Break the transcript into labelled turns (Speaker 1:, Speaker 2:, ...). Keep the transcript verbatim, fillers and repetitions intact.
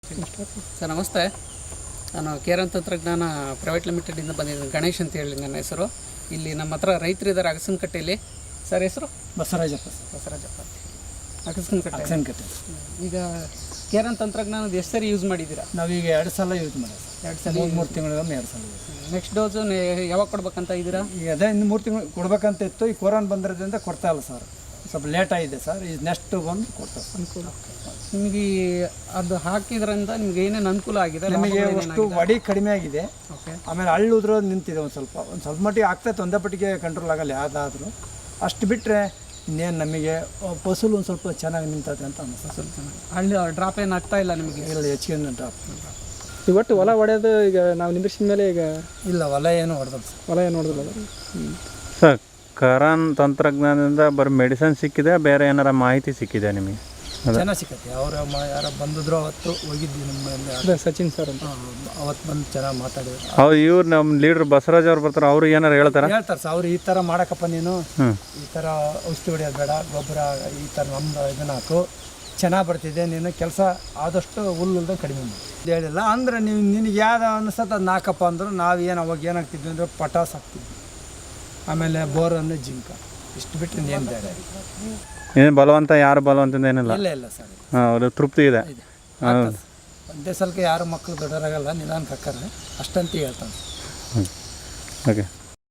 Speaker 1: Sir ನಮಸ್ತೆ, ನಾನು Karen ತಂತ್ರಜ್ಞಾನ ಪ್ರೈವೇಟ್ ಲಿಮಿಟೆಡಿಂದ ಬಂದಿದ್ದೀನಿ. ಗಣೇಶ್ ಅಂತ ಹೇಳಿ ನನ್ನ ಹೆಸರು. ಇಲ್ಲಿ ನಮ್ಮ ಹತ್ರ ರೈತರಿದ್ದಾರೆ ಅಗಸನಕಟ್ಟೆಯಲ್ಲಿ. ಸರ್ ಹೆಸರು
Speaker 2: ಬಸವರಾಜಪ್ಪ.
Speaker 1: ಬಸವರಾಜಪ್ಪ ಅಗಸನಕಟ್ಟೆ
Speaker 2: ಅಗಸನಕಟ್ಟೆ.
Speaker 1: ಈಗ ಕೇರನ್ ತಂತ್ರಜ್ಞಾನದ ಎಷ್ಟು ಸರಿ ಯೂಸ್ ಮಾಡಿದ್ದೀರಾ?
Speaker 2: ನಾವೀಗ ಎರಡು ಸಲ ಯೂಸ್ ಮಾಡಿದ್ವಿ ಸರ್.
Speaker 1: ಎರಡು ಸಲ
Speaker 2: ಮೂರು ಮೂರು ತಿಂಗಳಿಗೊಮ್ಮೆ ಎರಡು ಸಲ ಯೂಸ್.
Speaker 1: ನೆಕ್ಸ್ಟ್ ಡೋಸು ಯಾವಾಗ ಕೊಡ್ಬೇಕಂತ ಇದ್ದೀರಾ?
Speaker 2: ಈಗ ಅದೇ ಇನ್ನು ಮೂರು ತಿಂಗಳು ಕೊಡ್ಬೇಕಂತ ಇತ್ತು. ಈ ಕೊರೋನಾ ಬಂದಿರೋದ್ರಿಂದ ಕೊಡ್ತಾ ಇಲ್ಲ ಸರ್, ಸ್ವಲ್ಪ ಲೇಟ್ ಆಗಿದೆ ಸರ್. ಈಗ ನೆಕ್ಸ್ಟ್ ಬಂದು ಕೊಡ್ತಾರೆ
Speaker 1: ಅನುಕೂಲ. ನಿಮಗೆ ಅದು ಹಾಕಿದ್ರಿಂದ ನಿಮ್ಗೆ ಏನೇನು ಅನುಕೂಲ ಆಗಿದೆ?
Speaker 2: ನಮಗೆ ಅಷ್ಟು ವಡಿ ಕಡಿಮೆ ಆಗಿದೆ.
Speaker 1: ಓಕೆ.
Speaker 2: ಆಮೇಲೆ ಹಳ್ಳು ಉದ್ರೋದು ನಿಂತಿದೆ. ಒಂದು ಸ್ವಲ್ಪ ಒಂದು ಸ್ವಲ್ಪ ಮಟ್ಟಿಗೆ ಆಗ್ತೈತೆ, ಒಂದೇ ಪಟ್ಟಿಗೆ ಕಂಟ್ರೋಲ್ ಆಗಲ್ಲ ಯಾವುದಾದ್ರೂ. ಅಷ್ಟು ಬಿಟ್ಟರೆ ಇನ್ನೇನು ನಮಗೆ ಫಸಲು ಒಂದು ಸ್ವಲ್ಪ ಚೆನ್ನಾಗಿ ನಿಂತೈತೆ ಅಂತ ಅನಿಸ್ತದೆ.
Speaker 1: ಸ್ವಲ್ಪ ಚೆನ್ನಾಗಿ ಹಳ್ಳಿ ಡ್ರಾಪ್ ಏನು ಆಗ್ತಾ ಇಲ್ಲ ನಿಮಗೆ?
Speaker 2: ಇಲ್ಲ, ಹೆಚ್ಚಿಗೆ ಡ್ರಾಪ್
Speaker 3: ಇವತ್ತು ಹೊಲ ಹೊಡೆಯೋದು ಈಗ ನಾವು ನಿಂದ್ರಿಸಿದ ಮೇಲೆ ಈಗ
Speaker 2: ಇಲ್ಲ, ಹೊಲ ಏನು ಹೊಡೆದಲ್ಲ ಸರ್.
Speaker 3: ಹೊಲ ಏನು ನೋಡಿದ್ರಲ್ಲ
Speaker 4: ಸರ್, ಕರಾನ್ ತಂತ್ರಜ್ಞಾನದಿಂದ ಬರೀ ಮೆಡಿಸನ್ ಸಿಕ್ಕಿದೆ, ಬೇರೆ ಏನಾರ ಮಾಹಿತಿ ಸಿಕ್ಕಿದೆ ನಿಮಗೆ?
Speaker 2: ಚೆನ್ನಾಗಿ ಸಿಕ್ಕತ್ತೆ. ಅವ್ರ ಯಾರೋ ಬಂದಿದ್ರು ಅವತ್ತು ಹೋಗಿದ್ವಿ ನಮ್ಮ
Speaker 3: ಅದೇ ಸಚಿನ್ ಸರ್ ಅಂತ.
Speaker 2: ಅವತ್ತು ಬಂದು ಚೆನ್ನಾಗಿ ಮಾತಾಡಿದ್ರು.
Speaker 4: ಅವ್ರು ಇವ್ರು ನಮ್ಮ ಲೀಡ್ರ್ ಬಸವರಾಜ್ ಅವ್ರು ಬರ್ತಾರೆ, ಅವರು ಏನಾರು ಹೇಳ್ತಾರೆ?
Speaker 2: ಹೇಳ್ತಾರೆ ಸರ್, ಅವ್ರು ಈ ಥರ ಮಾಡಕ್ಕಪ್ಪ ನೀನು,
Speaker 4: ಹ್ಞೂ
Speaker 2: ಈ ಥರ ಔಷಧಿ ಹೊಡೆಯೋದು ಬೇಡ, ಗೊಬ್ಬರ ಈ ಥರ ನಮ್ಮದು ಇದನ್ನ ಹಾಕು, ಚೆನ್ನಾಗಿ ಬರ್ತಿದೆ, ನೀನು ಕೆಲಸ ಆದಷ್ಟು ಹುಲ್ಲುಲ್ದ ಕಡಿಮೆ ಮಾಡಿ ಹೇಳಿಲ್ಲ. ಅಂದರೆ ನೀವು ನಿನಗೆ ಯಾವ್ದು ಅನಿಸ್ತದೆ ಅದನ್ನ ಹಾಕಪ್ಪ ಅಂದರು. ನಾವು ಏನು ಅವಾಗ ಏನಾಗ್ತಿದ್ವಿ ಅಂದರೆ ಪಟಾಸ್ ಹಾಕ್ತಿದ್ವಿ, ಆಮೇಲೆ ಬೋರನ್ನು ಜಿಂಕ, ಇಷ್ಟು ಬಿಟ್ಟರೆ ಏನು ಬೇರೆ
Speaker 4: ಏನು ಬಲವಂತ, ಯಾರು ಬಲವಂತದಿಂದ ಏನಿಲ್ಲ?
Speaker 2: ಇಲ್ಲ ಇಲ್ಲ ಸರ್.
Speaker 4: ಹಾಂ, ಅವರು ತೃಪ್ತಿ ಇದೆ.
Speaker 2: ಆಗ್ತದೆ. ಒಂದೇ ಸಲಕ್ಕೆ ಯಾರು ಮಕ್ಕಳು ದೊಡ್ಡವರಾಗಲ್ಲ, ನಿಧಾನಕ್ಕೆ ಹಾಕ್ತಾರೆ ಅಷ್ಟಂತ ಹೇಳ್ತಾನೆ.
Speaker 4: ಹ್ಞೂ ಓಕೆ.